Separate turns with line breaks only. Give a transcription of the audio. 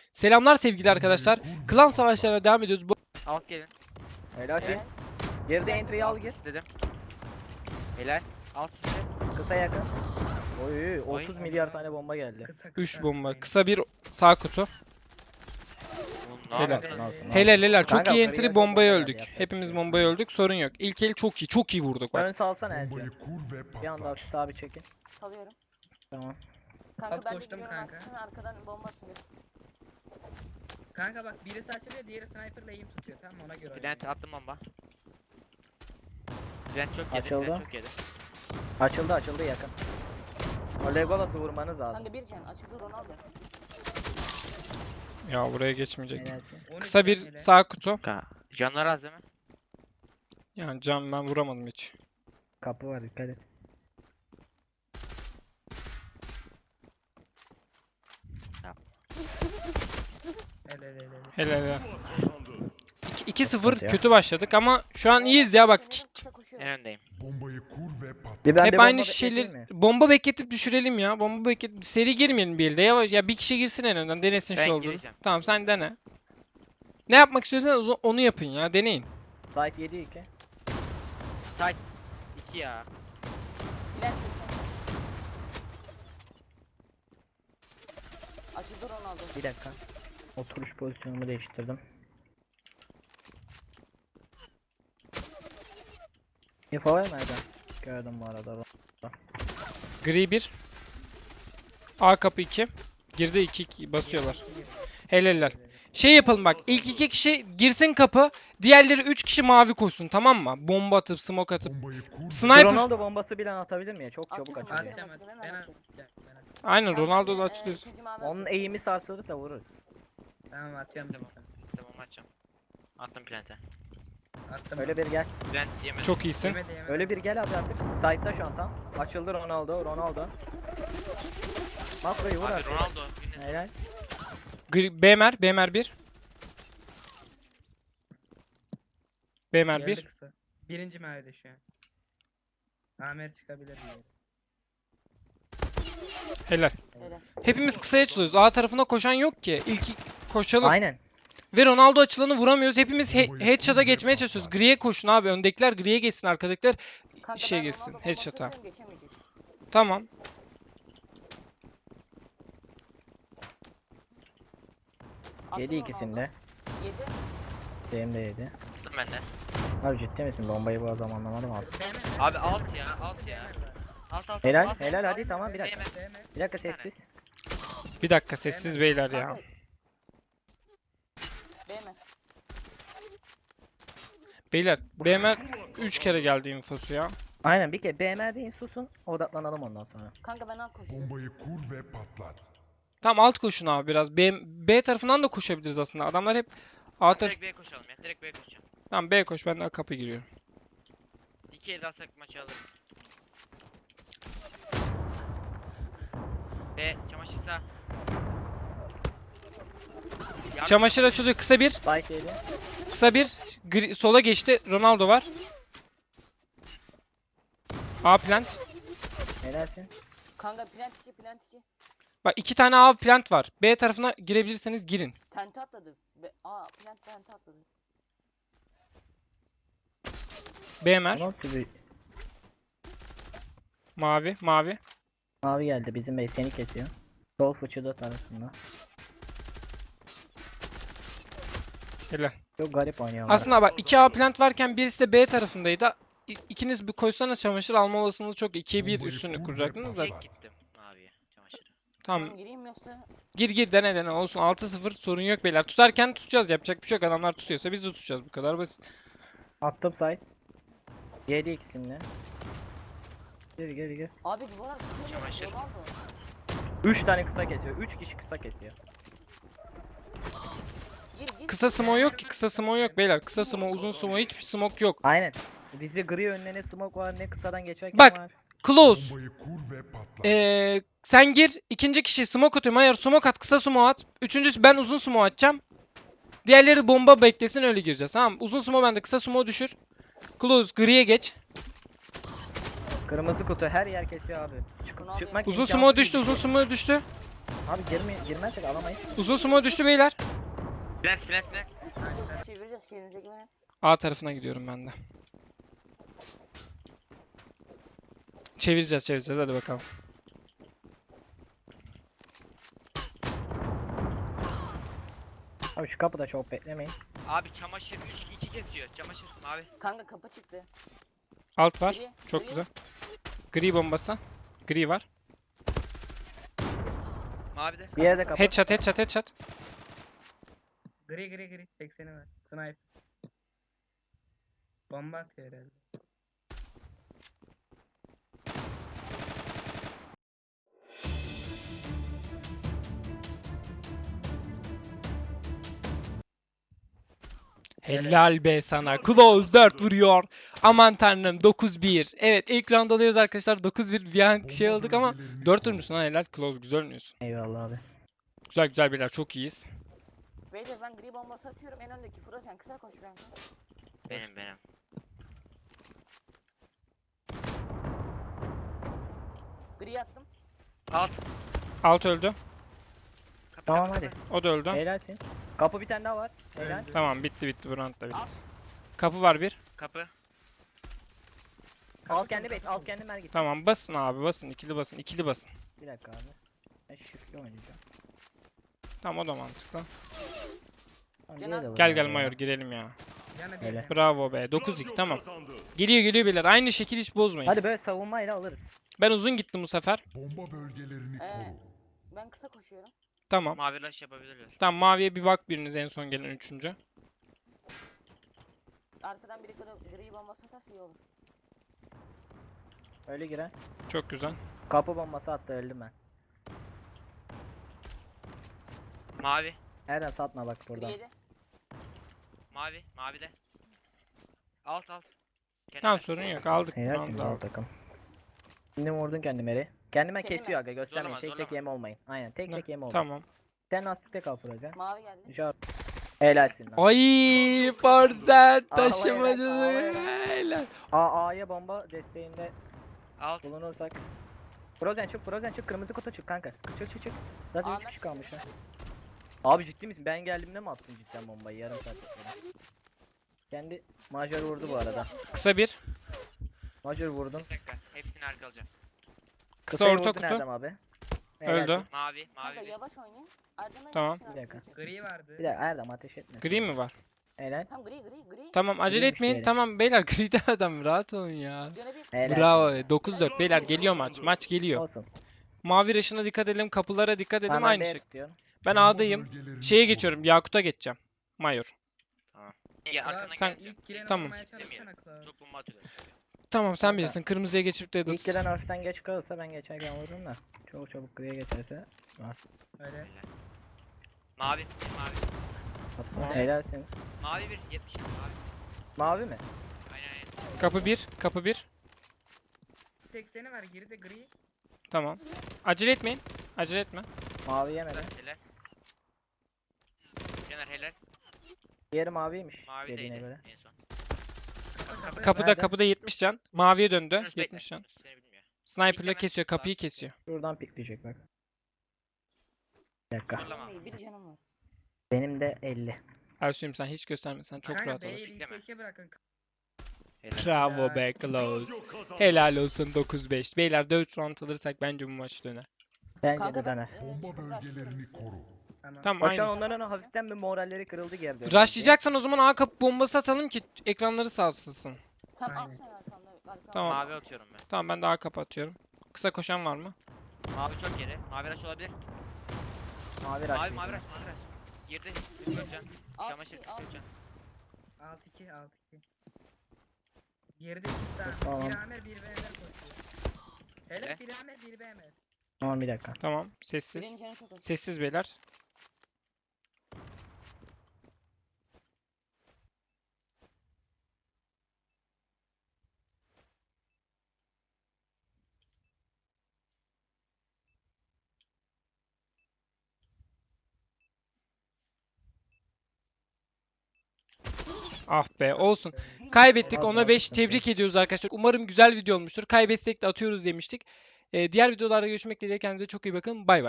Selamlar sevgili arkadaşlar. Klan savaşlarına devam ediyoruz.
Alt gelin.
Helal şey. Geride entry'yi al
Alt
gir.
istedim. Helal. Alt istedim.
Kısa yakın. Oy 30
Oy.
milyar tane bomba geldi.
3 bomba. Kısa bir sağ kutu.
Ne
Helal.
yaptınız?
Helal. Çok
Kanka,
iyi
yukarıya
entry
doğru
bombaya
bomba
öldük.
geldi, yapacak
Hepimiz
bir şey yok.
bombaya öldük. Sorun yok. İlk el çok iyi vurduk bak.
Ön salsana Elci.
Bombayı kur ve
Bir anda hafif abi çekin.
Salıyorum.
Tamam.
Kanka
Alt
ben de
koştum
gidiyorum
kanka.
arkasına, arkadan bomba atıyor.
Kanka bak birisi açılıyor diğeri sniper'la aim tutuyor tamam mı? Ona göre.
Plant attım bomba. Plant çok yedi.
Açıldı.
Plant çok yedi.
Açıldı yakın. O Legolas'ı vurmanız lazım.
Kanka bir can açıldı Ronaldo.
Ya buraya geçmeyecektim.
Helalsin.
13
Kısa bir
can hele.
sağ kutu.
Kanka. Canlar az değil mi?
Yani can ben vuramadım hiç.
Kapı var dikkat et.
Hele.
2-0
ya.
kötü başladık ama şu an iyiyiz ya bak.
Kısa koşuyor.
En öndeyim.
bombayı kur ve patlat.
Bir ben de
Hep
bomba
aynı
bekleteyim
şeyler.
mi?
Bomba bekletip düşürelim ya. Bomba bekletip seri girmeyelim bir elde. Yavaş ya bir kişi girsin en önden denesin
Ben
şu olduğunu.
gireceğim.
Tamam sen dene. Ne yapmak istiyorsanız onu yapın ya. Deneyin.
Site 7-2.
Side 2 ya.
Plant açıldı Ronaldo.
Bir dakika. Oturuş pozisyonumu değiştirdim. Info var mı Erdem? Gördüm bu arada.
Gri 1. A kapı 2. Girdi 2 basıyorlar. Helaller. Şey yapalım bak. İlk 2 kişi girsin kapı. Diğerleri 3 kişi mavi koşsun tamam mı? Bomba atıp smoke atıp.
Bombayı kur ve
Sniper.
Ronaldo bombası bile atabilir mi ya? Çok çabuk
Atıyorum,
açılıyor.
Atacağım
Hemen
ben
atıyorum.
Aynen
Kanka,
Ronaldo da
bir,
açılıyor.
ikinci mavi
Onun
atıyorum.
eğimi sarsılırsa vururuz.
Tamam atıyorum.
Tamam. Tamam açacağım. Attım plant'e.
Attım.
Öyle bir gel.
Plant yemedi.
Çok iyisin.
Yemedi.
Öyle bir gel abi artık. Site'da şu an tam. Açıldı Ronaldo. Makroyu vur
Abi
artık.
Ronaldo. Yine
Helal.
BMR 1. BMR 1.
Geldi kısa. Birinci mavide şu an. Amer çıkabilir mi?
Helal.
Helal.
Hepimiz kısaya açılıyoruz. A tarafına koşan yok ki. İlk koşalım.
Aynen.
Ve Ronaldo açılanı vuramıyoruz. Hepimiz headshot'a geçmeye çalışıyoruz. Gri'ye koşun abi. Öndekiler gri'ye geçsin. Arkadakiler
Kanka
işe
ben
geçsin.
Ronaldo
Headshot'a.
bombası atıyorum, geçemeyecek.
Tamam.
Attım
7 ikisinde.
7.
Benim de 7.
attım ben de.
Abi ciddi misin? Bombayı bu adam anlamadım abi.
Abi alt ya. Alt ya. Alt.
Helal,
alt,
helal,
alt.
hadi, tamam, bir dakika.
Yeme.
Bir dakika
Bir tane.
sessiz.
Bir dakika sessiz beyler ya.
Kanka. BM.
Beyler BMR 3 kere geldi infosu ya.
Aynen bir kere BMR deyin susun. Odaklanalım ondan sonra.
Kanka ben alt koşuyorum.
bombayı kur ve patlat.
Tamam alt koşun abi biraz. B tarafından da koşabiliriz aslında. Adamlar hep A tarafı.
Direkt B'ye koşalım ya. Direkt B'ye koşacağım.
Tamam B koş ben de kapı giriyorum.
2 el alsak maçı alırız. B çamaşır sağ. Yardım
Çamaşır açılıyor. Kısa bir.
Site 7.
Kısa bir. Sola geçti. Ronaldo var. A plant.
Helalsin.
Kanka plant 2.
Bak 2 tane A plant var. B tarafına girebilirseniz girin.
Tente atladı. Plant tente atladı.
BMR.
Nasıl bir
Mavi.
mavi geldi bizim bey seni kesiyor. Sol fıçıda tarafında.
Helal.
Çok garip oynuyorlar.
Aslında bak 2 A plant varken birisi de B tarafındaydı. İkiniz bir koşsanız çamaşır alma olasılığınız çok. 2'ye 1 üstünü kuracaktınız da.
Direkt gittim abiye çamaşırı.
Tamam.
Gireyim yoksa.
Gir dene olsun. 6-0 sorun yok beyler. Tutarken tutacağız. Yapacak bir şey yok. Adamlar tutuyorsa biz de tutacağız. Bu kadar basit.
Attım site. 7 ikisinde. Geri.
Abi duvar arkasında
Çamaşır.
Ronaldo.
3 tane kısa kesiyor. 3 kişi kısa kesiyor.
Gir.
Kısa smoke yok ki. Kısa smoke yok beyler. Kısa smoke, uzun smoke hiçbir smoke yok.
Aynen. Bizde gri önüne ne smoke var ne kısadan geçerken
Bak.
var.
Close.
Bombayı kur ve patlat.
Sen gir. İkinci kişi smoke atıyorum. Hayır smoke at. Kısa smoke at. Üçüncüsü ben uzun smoke atacağım. Diğerleri bomba beklesin öyle gireceğiz. Tamam. Uzun smoke bende. Kısa smoke düşür. Close. Gri'ye geç.
Kırmızı kutu her yer kesiyor abi.
Bunu alayım.
Çıkmak
Uzun
imkansız
sumo düştü,
gibi.
uzun sumo düştü.
Abi girmezsek alamayız.
Uzun sumo düştü beyler.
Plant plant plant.
Çevireceğiz kendinize güvenin.
A tarafına gidiyorum ben de. Çevireceğiz hadi bakalım.
Abi şu kapıda çok beklemeyin.
Abi çamaşır 3-2 kesiyor. Çamaşır mavi.
Kanka kapı çıktı.
Alt var.
Gri,
Çok
gri.
güzel. Gri bombası. Gri var.
Mavi de.
Bir yerde kapı.
Headshot.
Gri 80'i var. Sniper. Bomba atıyor herhalde.
Helal be sana. Close 4 vuruyor. Aman tanrım 9-1. Evet ilk round alıyoruz arkadaşlar. 9-1 bir an şey olduk ama 4 vurmuşsun ha helal. Close güzel oynuyorsun.
Eyvallah abi.
Güzel beyler çok iyiyiz.
Beyler ben gri bombası atıyorum en öndeki. Fırat sen kısa koş kanka.
Benim.
Gri attım.
Alt.
Alt öldü.
Kapı,
Tamam,
kapı,
hadi.
kapı.
O da öldü.
Helalsin. Kapı bir tane daha var. Helal.
Öldü.
Tamam bitti bu round da bitti. Kapı var bir.
Kapı.
Al kendi base, al kendi mergit.
Tamam basın abi basın. İkili basın.
Bir dakika abi. Ben shift'le oynayacağım.
Tamam o da mantıklı.
Tamam,
Gel
diğeri de
Gel
var ya.
Mayor girelim ya.
Yanı
Öyle.
bir.
Bravo be. 9-2 tamam. Geliyor beyler. Aynı şekil hiç bozmayın.
Hadi böyle savunmayla alırız.
Ben uzun gittim bu sefer.
Bomba bölgelerini koru.
Ben kısa koşuyorum.
Tamam.
Mavi rush yapabilirler.
Tamam maviye bir bak biriniz en son gelen üçüncü.
Arkadan biri gri bombası atarsa iyi olur.
Öyle giren.
Çok güzel.
Kapı bombası attı öldüm ben.
Mavi.
Erdem satma bak
Gri
buradan.
7.
Mavi de. Alt. Kendi
Tamam
ver.
sorun yok aldık.
Helal
roundu
şimdi al
aldık.
takım. Şimdi vurdun kendime eri. Kendime
Kendime.
kesiyor aga göstermeyin.
Zorlama,
Tek tek
zorlama.
yeme olmayın. Aynen tek
Ne?
tek yeme olmayın.
Tamam.
Sen lastikte kal Fıracan.
Mavi geldi.
Şart. Helalsin lan.
Ay Farzet
Ağlayarak,
taşımadı.
ağlayarak.
Helal.
A'ya bomba desteğinde
Alt.
bulunursak. Frozen çık kırmızı kutu çık kanka. Çık. Zaten 3
Ahmet
kişi kalmış ha. Abi ciddi misin? Ben geldiğimde mi attın cidden bombayı yarım saat sonra? Kendi majör vurdu bu arada.
Kısa bir.
Majör vurdum.
Bir dakika. Hepsini arka alacağım.
Kısa
Kısayı
orta
vurdun
kutu.
Erdem abi.
Öldü.
Helalsin.
Mavi.
Kanka
Bir.
yavaş oynayın. Erdem'e
Tamam.
gelsin
Bir dakika.
arkadaşlar.
Gri vardı.
Bir dakika Erdem ateş etme.
Gri mi var?
Helal.
Tamam gri.
Tamam acele
Griymiş
etmeyin.
beyler.
Tamam beyler gride adam rahat olun ya.
Canı bir.
Helal.
Bravo. 9-4 beyler geliyor maç. Maç geliyor.
Olsun.
Mavi raşına dikkat edelim. Kapılara dikkat edelim.
Tamam, ben
Aynı
B'ye
şey.
tutuyorum.
Ben
Bomba
A'dayım.
bölgelerini
Şeye
koru.
geçiyorum. Yakut'a geçeceğim. Mayor.
Ya arkadan
sen-
geleceğim.
İlk giren
Tamam.
olmaya çalışsana Klaus.
Çok bomba atıyorlar.
Tamam sen
Kanka.
bilirsin. Kırmızıya geçip de
İlk giren hafiften geç kalırsa ben geçerken vururum da. Çok çabuk griye geçerse.
Öyle.
Mavi.
Atma. Helalsin.
Mavi 1. 70. Mavi.
Mavi mi?
Aynen.
Kapı bir.
80'i var geride gri.
Tamam. Acele etmeyin. Acele etme.
Mavi yemedi.
Helal. Caner helal.
Diğeri maviymiş
Mavi
dediğine
deydi
göre.
en son.
Kapıda
Nerede?
70 can. Maviye döndü.
Yunus bekle.
70 can.
Yunus seni bilmiyor.
Sniper'la
Bekle ben.
kesiyor. Kapıyı
Tamam.
kesiyor.
Şuradan pikleyecek bak. Bir dakika.
Zorlama.
Bir canım var.
Benim de 50.
Ersu'yum sen hiç göstermesen çok
Kanka
rahat
B'yi
alırsın.
ilk
Bekleme.
teke bırakın.
Helal.
Bravo be Close. Helal olsun 9-5. Beyler 4 round alırsak bence bu maç döner.
Bence
Kanka
de
ben
döner.
Bomba bölgelerini koru.
Tamam.
Tamam
Bak şu an
aynı.
onların hafiften bir moralleri kırıldı geride.
Rushlayacaksan o zaman A kapı bombası atalım ki ekranları sarsılsın.
Tamam al
Aynen.
sen arkamda.
Tamam.
Mavi atıyorum ben.
Tamam ben de A kapı atıyorum. Kısa koşan var mı?
Mavi çok geri. Mavi rush olabilir.
Mavi
Mavi
rush.
mavi rush. Girdi. Göreceğim. Çamaşır göreceğim.
6-2 6-2. Geride ikisi daha.
Tamam.
Bir Amer bir BMR koşuyor. Helal
Ne?
bir Amer bir BMR.
Tamam bir dakika.
Tamam sessiz.
Birinin canı çok az.
Sessiz beyler. Ah be olsun. Kaybettik,
Olsun,
ona
olsun,
5
sıkıntı yok.
tebrik ediyoruz arkadaşlar. Umarım güzel video olmuştur. Kaybetsek de atıyoruz demiştik. Diğer videolarda görüşmek dileğiyle, kendinize çok iyi bakın. Bay bay.